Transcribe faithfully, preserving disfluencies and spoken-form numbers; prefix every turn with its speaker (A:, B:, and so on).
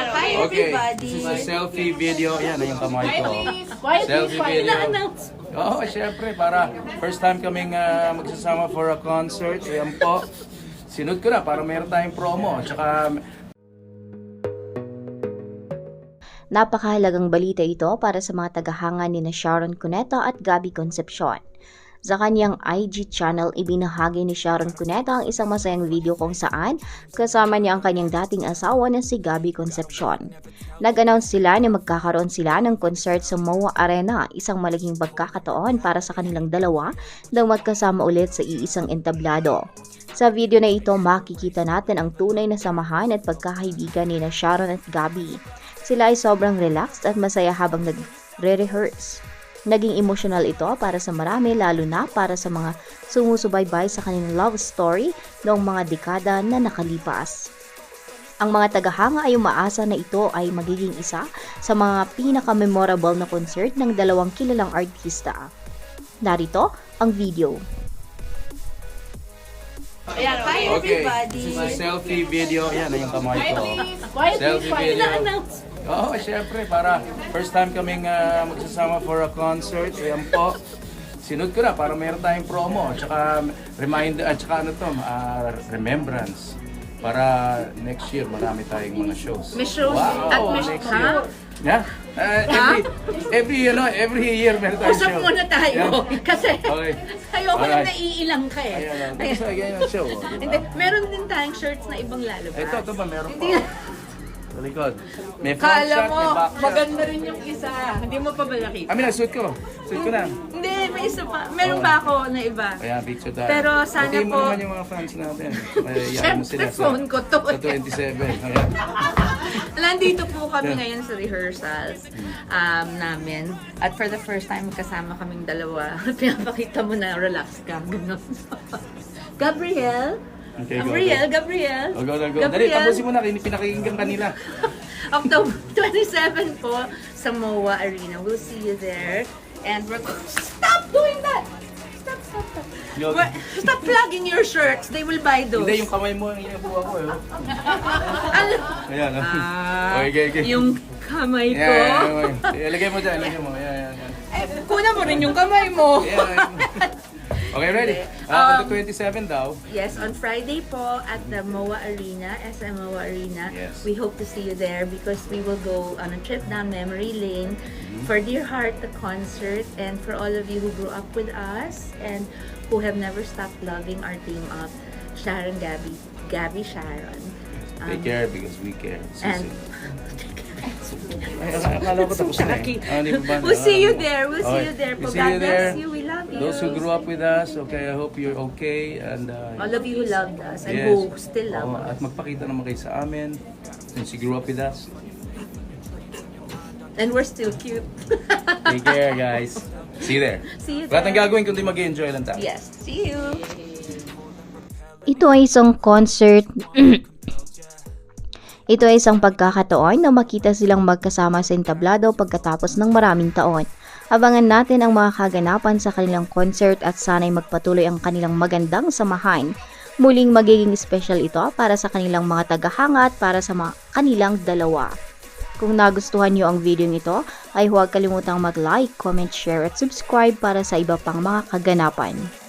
A: Hi
B: Okay,
A: everybody!
B: this is a selfie video. Yan na yung kamay ko.
C: Quiet,
B: Selfie
C: quiet.
B: video.
C: Na-announce.
B: Oo, oh, syempre, para first time kaming ah, magsasama for a concert. Ayan po. Sinod ko na para meron tayong promo. Tsaka
D: Napakahalagang balita ito para sa mga tagahanga ni na Sharon Cuneta at Gabby Concepcion. Sa kanyang I G channel, ibinahagi ni Sharon Cuneta ang isang masayang video kung saan kasama niya ang kanyang dating asawa na si Gabby Concepcion. Nag-announce sila na magkakaroon sila ng concert sa M O A Arena, isang malaking pagkakataon para sa kanilang dalawa na magkasama ulit sa iisang entablado. Sa video na ito, makikita natin ang tunay na samahan at pagkakaibigan ni na Sharon at Gabby. Sila ay sobrang relaxed at masaya habang nagre-rehearse. Naging emotional ito para sa marami, lalo na para sa mga sumusubaybay sa kanilang love story noong mga dekada na nakalipas. Ang mga tagahanga ay umaasa na ito ay magiging isa sa mga pinaka-memorable na concert ng dalawang kilalang artista. Narito ang video.
A: Hi
B: okay,
A: everybody!
B: this is a selfie video. Yan na yung kamay ko.
C: Quiet,
B: Selfie
C: quiet.
B: video.
C: Na-announce.
B: Oo, oh, syempre, para first time kaming ah, magsasama for a concert. Ayan po. Sinod ko na para meron tayong promo. Tsaka reminder, at tsaka ano to, ah, remembrance. Para next year marami tayong mga shows.
C: May shows
B: Wow,
C: at may
B: next
C: ha?
B: year. Yeah. Uh, every, every, you know, every year meron tayong
C: Usap
B: show.
C: muna tayo.
B: Yeah.
C: Kasi
B: Okay.
C: ayoko
B: Alright.
C: na naiilang ka eh.
B: Ayan, ayan. Gusto ganyan ang show. oh,
C: Hindi,
B: diba?
C: meron din tayong shirts na ibang lalabas.
B: Ito, ito ba? Meron
C: Hindi.
B: pa. Sa likod. May front
C: Kala
B: shot,
C: mo,
B: may back shot.
C: maganda rin yung isa. Hindi mo pa ba nakita?
B: I mean, suit ko. Suit ko na.
C: Hindi, may isa pa. Meron
B: Oh.
C: ba ako na iba?
B: Kaya picture tayo.
C: Pero sana
B: Batiin mo
C: po-
B: naman yung mga fans natin. May yan mo
C: Siyempre,
B: sila sa,
C: phone ko to.
B: sa twenty-seven. Ayan.
C: Nandito po kami
B: Yeah.
C: ngayon sa rehearsals um, namin. At for the first time, magkasama kaming dalawa. Pinapakita mo na relax ka. Ganun. Gabriel?
B: Okay, go,
C: Gabriel,
B: go.
C: Gabriel.
B: Oh, go, go, go. Dali, tapusin mo na. Pinakinggan kanila.
C: October twenty-seven po sa M O A Arena. We'll see you there. And we're... Stop doing that! Stop, stop, stop.
B: Yo.
C: We're- Stop plugging your shirts. They will buy those.
B: Hindi, yung kamay mo ang inabuha ko. Eh.
C: Ano?
B: Ayan.
C: Ah,
B: okay, okay, okay.
C: yung kamay ko.
B: Yan, yan, yan, yan. Ilagay mo dyan. Ilagay mo. Yan, yan, yan.
C: Eh, kuna mo rin yung kamay mo.
B: Yan, yan. Okay, ready?
C: Hindi.
B: Ah,
C: Um,
B: on the twenty-seven daw.
C: Yes, on Friday po at the M O A Arena, S M O A Arena.
B: Yes.
C: We hope to see you there because we will go on a trip down memory lane for Dear Heart, the concert, and for all of you who grew up with us and who have never stopped loving our team of Sharon, Gabby, Gabby, Sharon.
B: Take
C: Um,
B: care because we care.
C: And
B: Ay, akala ko tapos na eh. Ah, di ba ba?
C: we'll see you there. We'll see
B: Okay.
C: you there.
B: We'll
C: Po.
B: see
C: God
B: you there.
C: bless you. We love you.
B: Those who grew up with us, okay, I hope you're okay. And, uh,
C: All of you who loved us and
B: yes.
C: who still love
B: Oo, At
C: us.
B: magpakita naman kayo sa amin. Since you grew up with us.
C: And we're still cute.
B: Take care, guys. See you there.
C: See you
B: Wala tayong
C: there.
B: gagawin kundi mag-enjoy lang tayo.
C: Yes. See you.
D: Ito ay isang concert. Ito ay isang pagkakataon na makita silang magkasama sa entablado pagkatapos ng maraming taon. Abangan natin ang mga kaganapan sa kanilang concert at sana'y magpatuloy ang kanilang magandang samahan. Muling magiging special ito para sa kanilang mga tagahanga at para sa mga kanilang dalawa. Kung nagustuhan nyo ang video nito, ay huwag kalimutang mag-like, comment, share at subscribe para sa iba pang mga kaganapan.